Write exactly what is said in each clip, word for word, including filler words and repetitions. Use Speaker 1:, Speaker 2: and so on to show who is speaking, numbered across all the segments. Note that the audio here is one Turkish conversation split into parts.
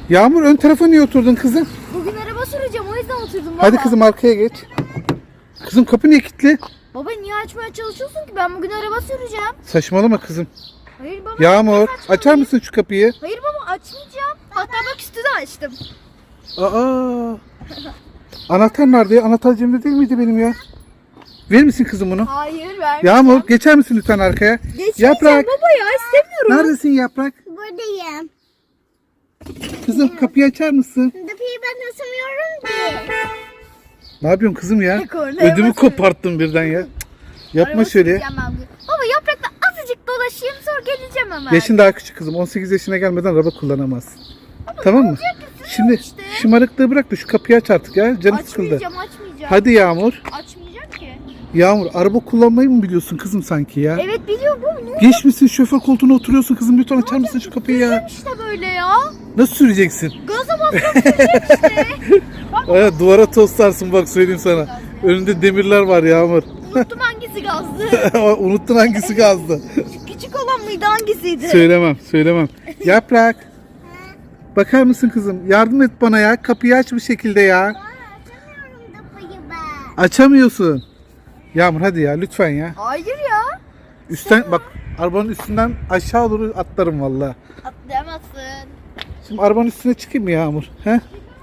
Speaker 1: Yağmur ön tarafa niye oturdun kızım?
Speaker 2: Bugün araba süreceğim, o yüzden oturdum baba.
Speaker 1: Hadi kızım arkaya geç. Kızım kapı niye kilitli?
Speaker 2: Baba niye açmaya çalışıyorsun ki? Ben bugün araba süreceğim.
Speaker 1: Saçmalama kızım.
Speaker 2: Hayır baba.
Speaker 1: Yağmur
Speaker 2: açmayayım.
Speaker 1: açar mısın şu kapıyı?
Speaker 2: Hayır baba, açmayacağım. Hatta bak üstü de açtım.
Speaker 1: Aa. Anahtar nerede ya? Anahtar cebimde değil miydi benim ya? Verir misin kızım bunu?
Speaker 2: Hayır vermeyeceğim.
Speaker 1: Yağmur geçer misin lütfen arkaya?
Speaker 2: Geçmeyeceğim
Speaker 1: Yaprak.
Speaker 2: baba ya, istemiyorum.
Speaker 1: Neredesin Yaprak?
Speaker 3: Buradayım.
Speaker 1: Kızım kapıyı açar mısın?
Speaker 3: Kapıyı ben açamıyorum ki.
Speaker 1: Ne yapıyorsun kızım ya?
Speaker 2: Kornaya
Speaker 1: Ödümü
Speaker 2: basıyorum.
Speaker 1: koparttın birden ya. Cık, Yapma
Speaker 2: Araba
Speaker 1: şöyle.
Speaker 2: süreceğim ben bugün. Baba yaprakla azıcık dolaşayım, sonra geleceğim hemen.
Speaker 1: Yaşın daha küçük kızım. on sekiz yaşına gelmeden araba kullanamazsın. Tamam mı? Şimdi
Speaker 2: işte.
Speaker 1: şımarıklığı bırak da şu kapıyı aç artık ya. Canım sıkıldı.
Speaker 2: Açmayacağım, açmayacağım.
Speaker 1: Hadi Yağmur.
Speaker 2: Açmayacağım ki.
Speaker 1: Yağmur araba kullanmayı mı biliyorsun kızım sanki ya?
Speaker 2: Evet biliyorum bu. Ne
Speaker 1: Geçmişsin şoför koltuğuna oturuyorsun kızım. Lütfen açar mısın şu kapıyı ya?
Speaker 2: işte böyle ya.
Speaker 1: Nasıl süreceksin?
Speaker 2: Gaza basıyorum, süreceğim işte. Bak
Speaker 1: Aya, duvara toslarsın bak söyleyeyim sana. Önünde demirler var Yağmur.
Speaker 2: unuttum hangisi gazdı.
Speaker 1: Unuttun hangisi gazdı?
Speaker 2: Küçük olan mıydı, hangisiydi?
Speaker 1: Söylemem, söylemem. Yaprak. Bakar mısın kızım? Yardım et bana ya. Kapıyı aç bir şekilde ya.
Speaker 3: Açamıyorum kapıyı ben.
Speaker 1: Açamıyorsun. Yağmur hadi ya lütfen ya.
Speaker 2: Hayır ya.
Speaker 1: Üstten bak arabanın üstünden aşağı doğru atlarım vallahi.
Speaker 2: Atlayamazsın.
Speaker 1: Şimdi arabanın üstüne çıkayım mı Yağmur? He?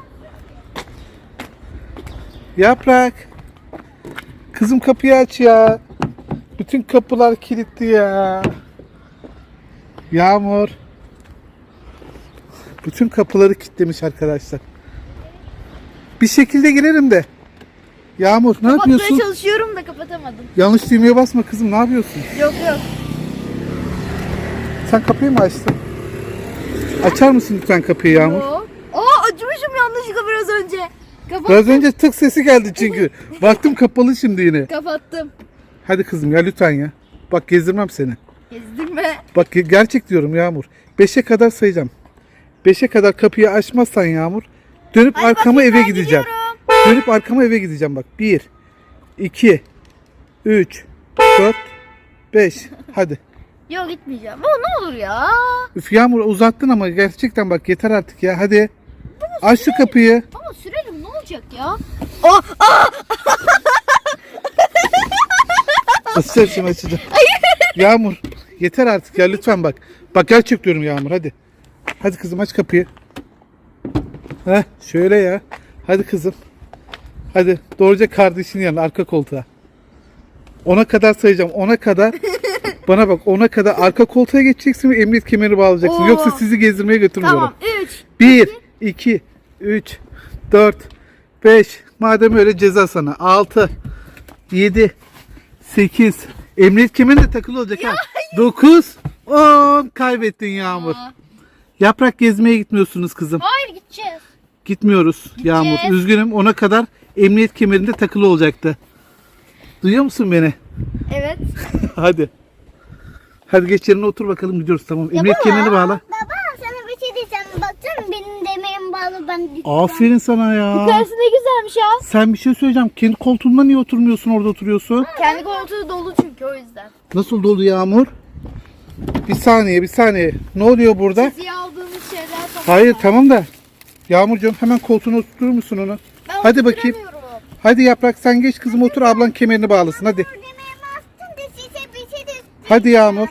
Speaker 1: Yaprak. Kızım kapıyı aç ya. Bütün kapılar kilitli ya. Yağmur. Bütün kapıları kilitlemiş arkadaşlar. Bir şekilde girerim de. Yağmur ne
Speaker 2: Kapatmaya
Speaker 1: yapıyorsun?
Speaker 2: çalışıyorum da kapatamadım.
Speaker 1: Yanlış düğmeye basma kızım, ne yapıyorsun?
Speaker 2: Yok yok.
Speaker 1: Sen kapıyı mı açtın? Açar mısın lütfen kapıyı Yağmur?
Speaker 2: Yok. Aa, açmışım yanlışlıkla biraz önce. Kapat.
Speaker 1: Biraz önce tık sesi geldi çünkü. Baktım kapalı şimdi yine.
Speaker 2: Kapattım.
Speaker 1: Hadi kızım ya lütfen ya. Bak gezdirmem seni.
Speaker 2: Gezdirme.
Speaker 1: Bak ge- gerçek diyorum Yağmur. Beşe kadar sayacağım. Beşe kadar kapıyı açmazsan Yağmur, dönüp
Speaker 2: Hadi
Speaker 1: arkama
Speaker 2: bakayım,
Speaker 1: eve
Speaker 2: ben
Speaker 1: gideceğim.
Speaker 2: gidiyorum.
Speaker 1: Dönüp arkama eve gideceğim bak. Bir, iki, üç, dört, beş. Hadi.
Speaker 2: Yok gitmeyeceğim. Baba ne olur ya.
Speaker 1: Üf Yağmur uzattın ama gerçekten bak yeter artık ya. Hadi. Aç şu kapıyı.
Speaker 2: Baba sürelim, ne olacak ya. Oh,
Speaker 1: Açacağım şimdi açacağım. Yağmur yeter artık ya lütfen bak. Bak gerçek diyorum Yağmur hadi. Hadi kızım aç kapıyı. Heh şöyle ya. Hadi kızım. Hadi doğruca kardeşinin yanına arka koltuğa. Ona kadar sayacağım. Ona kadar. Bana bak ona kadar arka koltuğa geçeceksin ve emniyet kemeri bağlayacaksın.
Speaker 2: Oo.
Speaker 1: Yoksa sizi gezdirmeye götürmüyorum.
Speaker 2: tamam. Üç.
Speaker 1: bir, iki, üç, dört, beş. Madem öyle ceza sana. altı, yedi, sekiz. Emniyet kemerin de takılı olacak ha. dokuz, on. Kaybettin Yağmur.
Speaker 2: Aa.
Speaker 1: Yaprak gezmeye gitmiyorsunuz kızım.
Speaker 2: Hayır gideceğiz.
Speaker 1: Gitmiyoruz Yağmur. Üzgünüm ona kadar emniyet kemerinde takılı olacaktı. Duyuyor musun beni?
Speaker 2: Evet.
Speaker 1: Hadi. Hadi geç yerine otur bakalım gidiyoruz tamam. Emniyet
Speaker 2: baba.
Speaker 1: kemerini bağla.
Speaker 3: Baba sana bir şey diyeceğim. Baksana benim demirim bağlı, ben gideceğim.
Speaker 1: Aferin sana ya.
Speaker 2: Yukarısı ne güzelmiş ya.
Speaker 1: Sen bir şey söyleyeceğim. Kendi koltuğunda niye oturmuyorsun orada oturuyorsun?
Speaker 2: Kendi koltuğu dolu çünkü, o yüzden.
Speaker 1: Nasıl dolu Yağmur? Bir saniye bir saniye. Ne oluyor burada?
Speaker 2: Size aldığımız şeyler falan.
Speaker 1: Hayır tamam da. Yağmurcuğum hemen koltuğuna oturtur musun onu?
Speaker 2: Ben
Speaker 1: Hadi bakayım.
Speaker 2: oturamıyorum.
Speaker 1: Hadi Yaprak sen geç kızım otur ablan kemerini bağlasın hadi.
Speaker 3: Demirimi bastın da size bir şey de.
Speaker 1: Hadi Yağmur.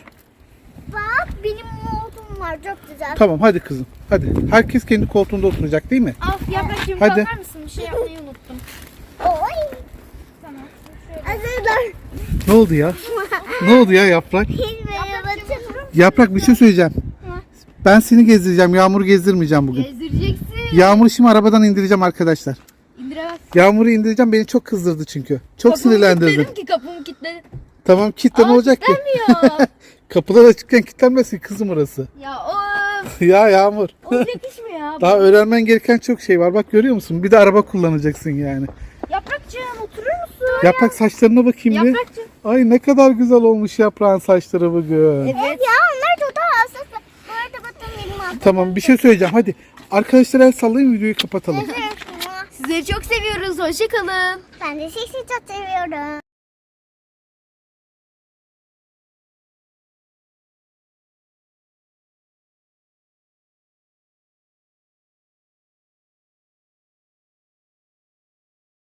Speaker 3: Bak benim montum var, çok güzel.
Speaker 1: Tamam hadi kızım. Hadi. Herkes kendi koltuğunda oturacak değil mi?
Speaker 2: Al yaprakçığım,
Speaker 1: Hadi.
Speaker 2: kalkar mısın? Bir şey yapmayı unuttum.
Speaker 3: Oy.
Speaker 2: Tamam.
Speaker 3: Hazırlar.
Speaker 1: Ne oldu ya? Ne oldu ya Yaprak?
Speaker 3: Merhaba.
Speaker 1: Yaprak bir şey söyleyeceğim. Ben seni gezdireceğim. Yağmur'u gezdirmeyeceğim bugün.
Speaker 2: Gezdireceksin.
Speaker 1: Yağmur'u şimdi arabadan indireceğim arkadaşlar.
Speaker 2: İndiremez.
Speaker 1: Yağmur'u indireceğim. Beni çok kızdırdı çünkü. Çok sinirlendirdi.
Speaker 2: Kilitledim ki, kapımı kilitledim.
Speaker 1: Tamam kitle ne
Speaker 2: Aa,
Speaker 1: olacak ki?
Speaker 2: kilitlenmiyor.
Speaker 1: Kapılar açıkken kilitlenmesin kızım orası.
Speaker 2: Ya of.
Speaker 1: Ya Yağmur.
Speaker 2: Olacak iş mi ya?
Speaker 1: Daha öğrenmen gereken çok şey var. Bak görüyor musun? Bir de araba kullanacaksın yani.
Speaker 2: Yaprakçığım oturur musun?
Speaker 1: Yaprak saçlarına bakayım bir.
Speaker 2: Yaprakçığım.
Speaker 1: Ay ne kadar güzel olmuş yaprağın saçları bugün.
Speaker 2: Evet.
Speaker 3: Ya onlar çok daha hassas. Bu arada bakın benim altım.
Speaker 1: Tamam bir şey söyleyeceğim hadi. Arkadaşlar el sallayın videoyu kapatalım.
Speaker 2: Sizleri çok seviyoruz. Hoşça kalın.
Speaker 3: Ben de sizi çok seviyorum.